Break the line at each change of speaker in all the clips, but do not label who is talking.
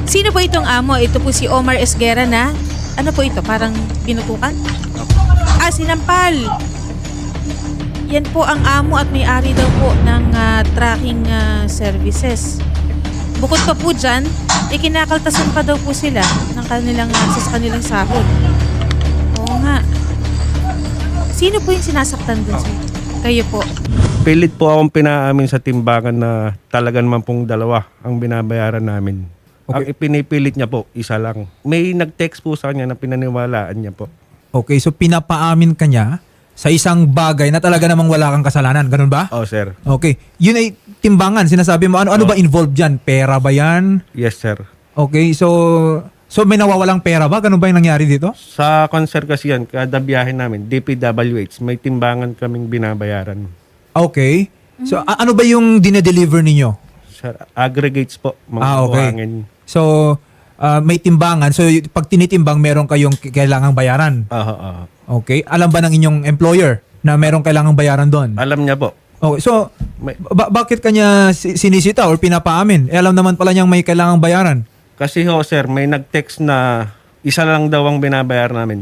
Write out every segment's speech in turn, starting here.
Sino po itong amo? Ito po si Omar Esguera na, ano po ito, parang binutukan? Sinampal. Yan po ang amo at may-ari daw po ng tracking services. Bukod pa po dyan, kinakaltasan pa daw po sila ng kanilang, sa kanilang sahod. Oo nga. Sino po yung sinasaktan dun, sir? Kayo po.
Pilit po akong pinaamin sa timbangan na talaga naman pong dalawa ang binabayaran namin.
Okay.
Ang ipinipilit niya po, isa lang. May nag-text po sa kanya na pinaniwalaan niya po.
Okay, so pinapaamin ka niya sa isang bagay na talaga namang wala kang kasalanan. Ganun ba?
Oh, sir.
Okay. Yun ay timbangan. Sinasabi mo, ano ba involved dyan? Pera ba yan?
Yes, sir.
Okay, so may nawawalang pera ba? Ganun ba yung nangyari dito?
Sa concert kasi yan, kada biyahe namin, DPWH, may timbangan kaming binabayaran.
Okay. So ano ba yung dinedeliver ninyo?
Sir, aggregates po, mga
Okay.
buhangin.
So may timbangan. So pag tinitimbang, meron kayong kailangang bayaran. Okay. Alam ba ng inyong employer na meron kailangang bayaran doon?
Alam niya po.
Okay. So
May-
bakit kanya sinisita or pinapaamin? Alam naman pala niyang may kailangang bayaran.
Kasi ho, sir, may nag-text na isa lang daw ang binabayar namin.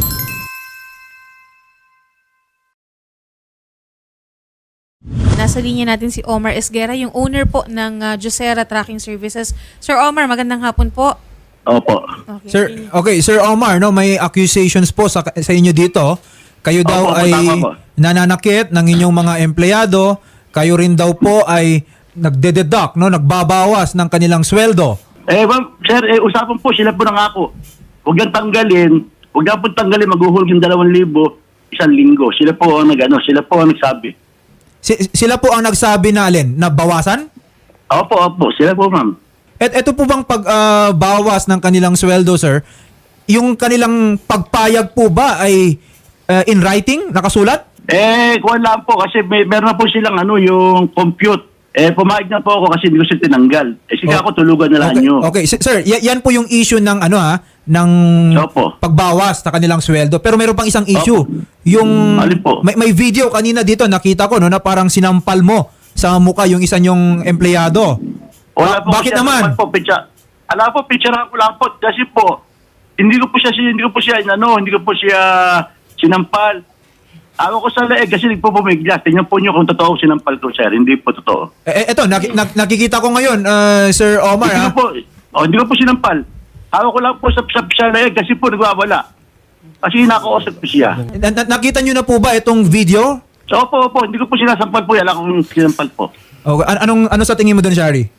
Nasa linya natin si Omar Esguera, yung owner po ng Juicera Tracking Services. Sir Omar, magandang hapon po.
Opo.
Okay.
Sir Omar, no, may accusations po sa inyo dito. Kayo daw
Opo,
ay
tama po.
nananakit ng inyong mga empleyado. Kayo rin daw po ay nagde-deduct, no, nagbabawas ng kanilang sweldo.
Ma'am, sir, usapan po, sila po nangako. Huwag nang tanggalin. Huwag na po tanggalin, maghuhulog yung 2,000 isang linggo. Sila po ang sila po ang nagsabi.
Sila po ang nagsabi na alin, na bawasan?
Opo, sila po, ma'am.
Ito po bang pagbawas ng kanilang sweldo, sir, yung kanilang pagpayag po ba ay in writing, nakasulat?
Kuwan lang po, kasi meron na po silang yung compute. Pumayag na po ako kasi hindi ko siya tinanggal. Sige ako, tulugan na lang nyo.
Okay, sir, yan po yung issue ng ng
Opo.
pagbawas sa kanilang sweldo. Pero meron pang isang issue.
Opo.
Yung
Alin po?
may video kanina dito nakita ko no na parang sinampal mo sa mukha yung isa nyong empleyado.
Wala po
Bakit
kasi
naman?
Po, alam po, picturean ko lang po kasi po hindi ko po siya sinampal. Ako ko sa leeg kasi nagpupumiglas. Tingnan po nyo kung totoo sinampal ko, sir. Hindi po totoo.
Eto, nakikita ko ngayon, Sir Omar.
Hindi ko po sinampal. Ako ko lang po sa leeg kasi po nagwawala. Kasi nakausap ko siya.
Nakita nyo na po ba itong video?
So, opo. Hindi ko po sinasampal po. Alam kong sinampal po.
Okay. Ano sa tingin mo doon, Shari?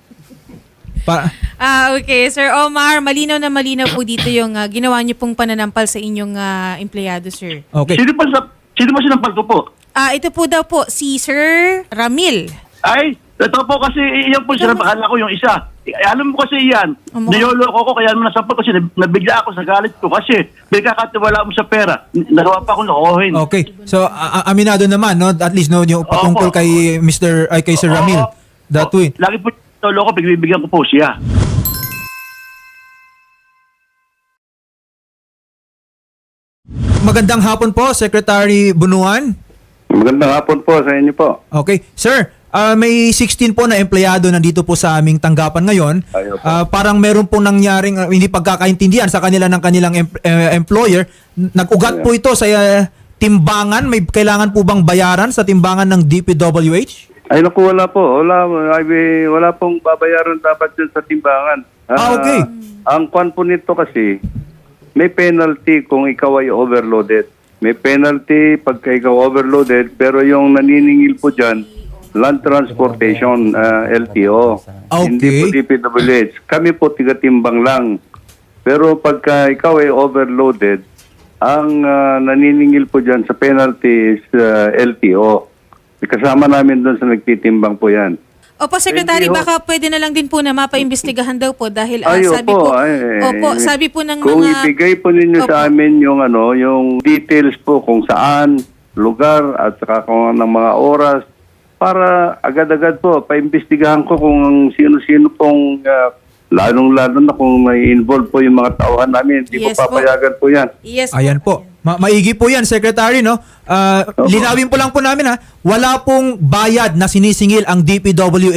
Okay, Sir Omar, malinaw na malinaw po dito yung ginawa niyo pong pananampal sa inyong empleyado, sir.
Okay.
Sino ba sinampal ko po?
Ito po daw po si Sir Ramil.
Ay, ito po kasi iyan po sila, akala ko yung isa. Alam mo kasi iyan, niyoloko ko kaya naman nasampal kasi nabigla ako sa galit ko kasi may kakatiwala mo sa pera. Nagawa pa akong lokohin.
Okay. So aminado naman no at least no yung patungkol kay kay Sir Ramil. That way.
Lagi po niloloko, bibigyan ko po siya.
Magandang hapon po, Secretary Bunuan.
Magandang hapon po sa inyo po.
Okay. Sir, may 16 po na empleyado nandito po sa aming tanggapan ngayon.
Ayaw po.
Parang meron po nangyaring hindi pagkakaintindihan sa kanila ng kanilang employer. Nag-ugat po ito sa timbangan. May kailangan po bang bayaran sa timbangan ng DPWH?
Ay naku, wala po. Wala pong babayaran dapat dyan sa timbangan.
Okay.
Ang kwan po nito kasi, may penalty kung ikaw ay overloaded. May penalty pagka ikaw overloaded, pero yung naniningil po dyan, Land Transportation, LTO.
Okay.
Hindi po DPWH. Kami po tiga-timbang lang. Pero pagka ikaw ay overloaded, ang naniningil po dyan sa penalty is LTO. Kasama namin doon sa nagtitimbang po yan.
Opo, Secretary,
Hindi,
baka pwede na lang din po na mapaimbestigahan daw po dahil sabi po ng
kung
mga...
ibigay po ninyo sa amin yung yung details po kung saan, lugar at saka kung ng mga oras para agad-agad po paimbestigahan ko kung sino-sino pong lalong-lalo na kung may involved po yung mga tauhan namin. Hindi
Yes
po papayagan po yan.
Yes,
Ayan po. Maigi po yan, Secretary, no? Linawin po lang po namin, wala pong bayad na sinisingil ang DPWH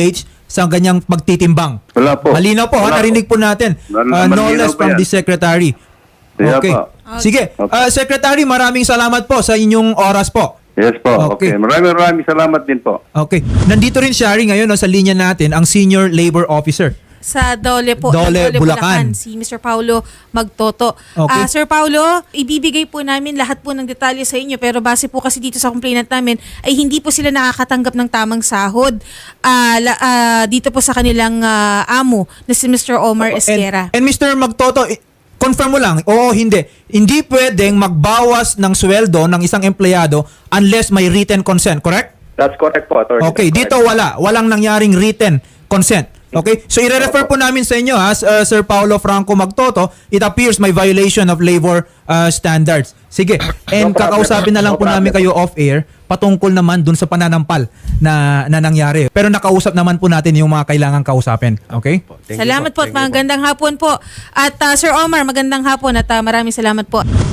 sa ganyang pagtitimbang.
Wala po.
Malinaw po,
Wala
narinig po natin.
Malinaw
No less
po
from
yan.
the Secretary.
Kaya
Okay.
po.
Sige. Secretary, maraming salamat po sa inyong oras po.
Yes po.
Okay.
Okay. Maraming salamat din po.
Okay. Nandito rin, Shari, ngayon no, sa linya natin, ang Senior Labor Officer.
Sa Dole po,
Dole,
ng
Bulacan.
si Mr. Paulo Magtoto.
Okay.
Sir Paulo, ibibigay po namin lahat po ng detalye sa inyo, pero base po kasi dito sa complainant namin ay hindi po sila nakakatanggap ng tamang sahod dito po sa kanilang amo na si Mr. Omar Esguera.
And Mr. Magtoto, confirm mo lang, oo, hindi. Hindi pwedeng magbawas ng sweldo ng isang empleyado unless may written consent, correct?
That's correct po, Attorney.
Okay,
That's
dito
correct.
walang nangyaring written consent. Okay? So i-refer po namin sa inyo Sir Paulo Franco Magtoto, it appears may violation of labor standards. Sige. And
No problem.
kakausapin na lang
No
po namin
problem.
kayo off-air patungkol naman dun sa pananampal na nangyari. Pero nakausap naman po natin yung mga kailangang kausapin. Okay?
Salamat po at magandang hapon po. At Sir Omar, magandang hapon at maraming salamat po.